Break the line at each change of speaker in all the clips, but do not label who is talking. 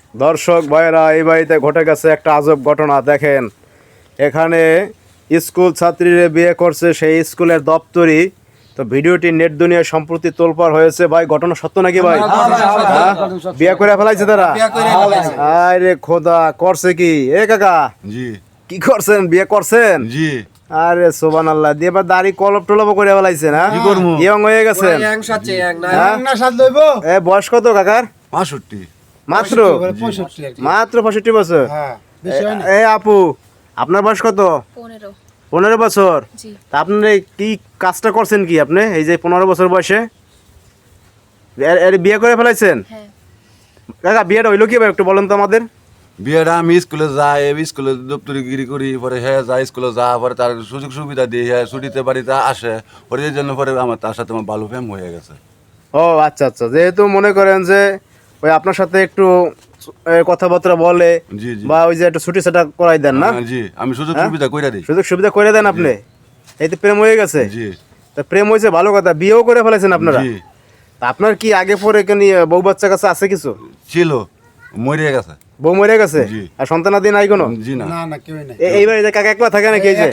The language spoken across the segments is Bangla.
দর্শক ভাইরা, এই বাড়িতে ঘটে গেছে একটা আজব ঘটনা। দেখেন, এখানে স্কুল ছাত্রীরা বিয়ে করছে, সেই স্কুলের দপ্তরি। তো ভিডিওটি নেট দুনিয়ায় সম্প্রতি তোলপাড় হয়েছে। ভাই, ঘটনা সত্য নাকি ভাই? হ্যাঁ? বিয়ে করে ফেলাইছে তারা? আরে খোদা, করছে কি? এ কাকা,
জি
কি করছেন? বিয়ে করছেন?
জি
আরে সুবহানাল্লাহ, দিয়ে এবার দাড়ি কলপ টলপ করে ফেলাইছেন? হ্যাঁ,
কি করবো?
ইয়ং হয়ে গেছেন। এ বয়স কত কাকার?
65
মাত্র মাত্র 65 বছর। এ আপু, আপনার বয়স কত? 15 বছর। তা আপনি কি কাজটা করছেন কি আপনি এই যে 15 বছর বয়সে এর বিয়ে করে ফেলাইছেন? কাকা, বিয়েটা হইলো কি ভাই, একটু বলেন তো আমাদের।
বিয়েটা আমি স্কুলে যাই, স্কুলে দপ্তরি গিরি করি, পরে হ্যাঁ যায় স্কুলে যা, পরে তার সুযোগ সুবিধা দিয়ে হ্যাঁ ছুটিতে বাড়িতে আসে, পরে এই জন্য পরে আমার তার সাথে আমার ভালো প্রেম হয়ে গেছে।
ও আচ্ছা আচ্ছা, যেহেতু মনে করেন যে ওই আপনার সাথে একটু কথাবার্তা বলে
জি জি
বা ওই যে একটু ছুটি সেটা করাই দেন না?
জি, আমি সুযোগ
হ্যাঁ?
সুবিধা কইরা দিই।
সুযোগ সুবিধা করে দেন আপনি, এই তো প্রেম হয়ে গেছে।
জি
তা প্রেম হয়েছে ভালো কথা, বিয়েও করে ফেলেছেন আপনারা।
জি,
তা আপনার কি আগে পরে কেন বউ বাচ্চা কাছে আছে কিছু?
ছিল, মরে গেছে।
বউ মরে গেছে?
জি।
আর সন্তানাদি নাই কোনো?
জি না,
এই বাড়িতে কাকা একলা থাকে নাকি? এই যে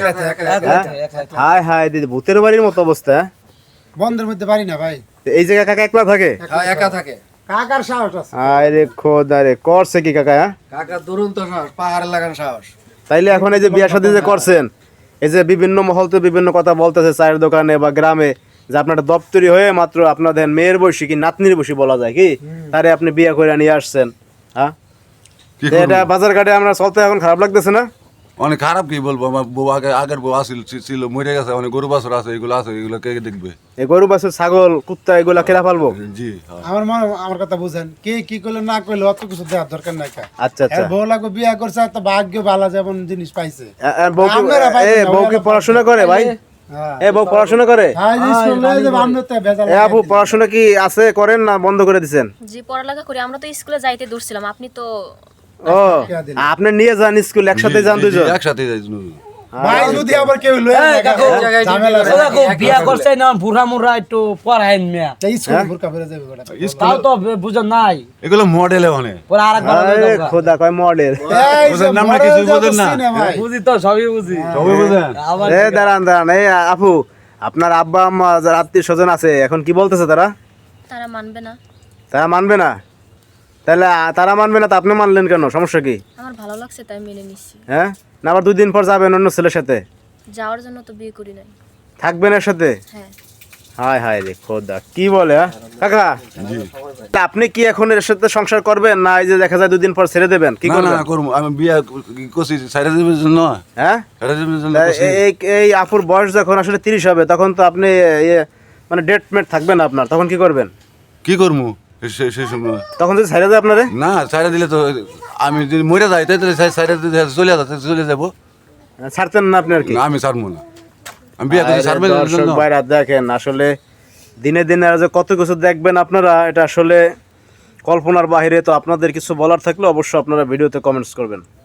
হায় হায় দিদি, ভূতের বাড়ির মতো অবস্থা।
বন্ধের মধ্যে পারি না ভাই,
তো এই জায়গায় কাকা একলা থাকে?
একা থাকে।
কাকার সাহস আছে।
আরে খোদা রে, করছে কি কাকা? হ্যাঁ,
কাকা দুরন্ত সাহস, পাহাড়ে লাগান সাহস।
তাইলে এখন এই যে বিয়ে শাদী যে করছেন, এই যে বিভিন্ন মহল তো বিভিন্ন কথা বলতেছে চায়ের দোকানে বা গ্রামে, যে আপনার দপ্তরি হয়ে মাত্র আপনাদের মেয়ের বয়সী কি নাতনির বয়সী বলা যায় কি, তারে আপনি বিয়ে করে নিয়ে আসছেন। হ্যাঁ,
কি
তো এটা
করবো?
বাজার ঘাটে আমরা চলতে এখন খারাপ লাগতেছে না?
অনেক খারাপ, কি বলবো, আমার বউ আগের বউ ছিল, মরে গেছে, অনেক গরু বাছুর আছে, এগুলো আছে, এগুলো কে দেখবে?
এই গরু বাছুর ছাগল কুত্তা এগুলা কেনা পালবো?
জি হ্যাঁ।
আমার কথা বুঝেন, কে কি করলে না করলে অত কিছু দেওয়ার দরকার নাই।
আচ্ছা আচ্ছা।
বউ লাগবে বিয়ে করছে, তো ভাগ্য ভালো যেমন জিনিস পাইছে।
বউ কি
আপনারা পাইছেন না,
বউ কি
ওরা
পড়াশোনা করে ভাই?
হ্যাঁ।
বউ পড়াশোনা করে?
হ্যাঁ, এই স্কুল লয়ে যাবে, আপনি তো ভেজাল
আপু, পড়াশোনা কি আছে করেন না বন্ধ করে দিছেন?
জি, পড়ালেখা করি। আমরা তো স্কুলে যাইতে দূরছিলাম, আপনি তো
ও, আপনি নিয়ে যান স্কুল, একসাথে যান
জি, জি,
দুজন?
একসাথে যাই।
ভাই যদি আবার কেউ লয়ে যায়, ঝামেলা আছে।
বিয়া করছে না বুড়া মুড়া একটু পড়াইন মিয়া,
এই স্কুল বুরকা ফেলে যাবে গোটা।
তাও তো বুঝেন নাই।
এগুলো মডেলে অনেক।
পরে আরেকবার
আরে খোদা, কয় মডেল।
এই যে
বুঝেন না, আমরা
মডেল
কিছু
যা
বুঝেন না।
বুঝছি ভাই।
বুঝি তো, সবই বুঝি।
সবাই বুঝেন?
আবার
দাঁড়ান দাঁড়ান, এই আপু, আপনার আব্বা আম্মা যারা আত্মীয় স্বজন আছে এখন কি বলতেছে তারা?
তারা মানবে না।
তারা মানবে না? তাহলে তারা মানবে না, তা আপনি মানলেন কেন? সমস্যা কি?
আমার ভালো লাগছে তাই মেনে নিচ্ছি।
হ্যাঁ, না আবার 2 দিন পর যাবেন অন্য ছেলের সাথে?
যাওয়ার জন্য তো বিয়ে করি নাই।
থাকবেন এর সাথে?
হ্যাঁ।
হায় হায় রে খোদা, কি বলে? হ্যাঁ কাকা, তা আপনি কি এখন এর সাথে সংসার করবেন, না এই যে দেখা যায় 2 দিন পর ছেড়ে দেবেন? কি
না
করবেন?
না করবো, আমি বিয়ে করছি সাইডে দেবের জন্য।
হ্যাঁ,
সাইডে দেবের জন্য
তা
করছি।
এই আপুর বয়স যখন আসলে 30 হবে, তখন তো আপনি মানে ডেট মেট থাকবে না আপনার, তখন কি করবেন?
কি করবো সেই সময়?
তখন যদি ছেড়ে দেয় আপনারে?
না, সাইডে দিলে তো আমি যদি মরে যাই, তাই সাইডে চলে যাবো।
ছাড়তেন না আপনি আর কি?
না, আমি ছাড়বো না, আমি বিয়ে করছি ছাড়বে না।
দর্শক ভাইরা দেখেন, আসলে দিনে দিনে আর যে কত কিছু দেখবেন আপনারা, এটা আসলে কল্পনার বাহিরে। তো আপনাদের কিছু বলার থাকলে অবশ্যই আপনারা ভিডিওতে কমেন্টস করবেন।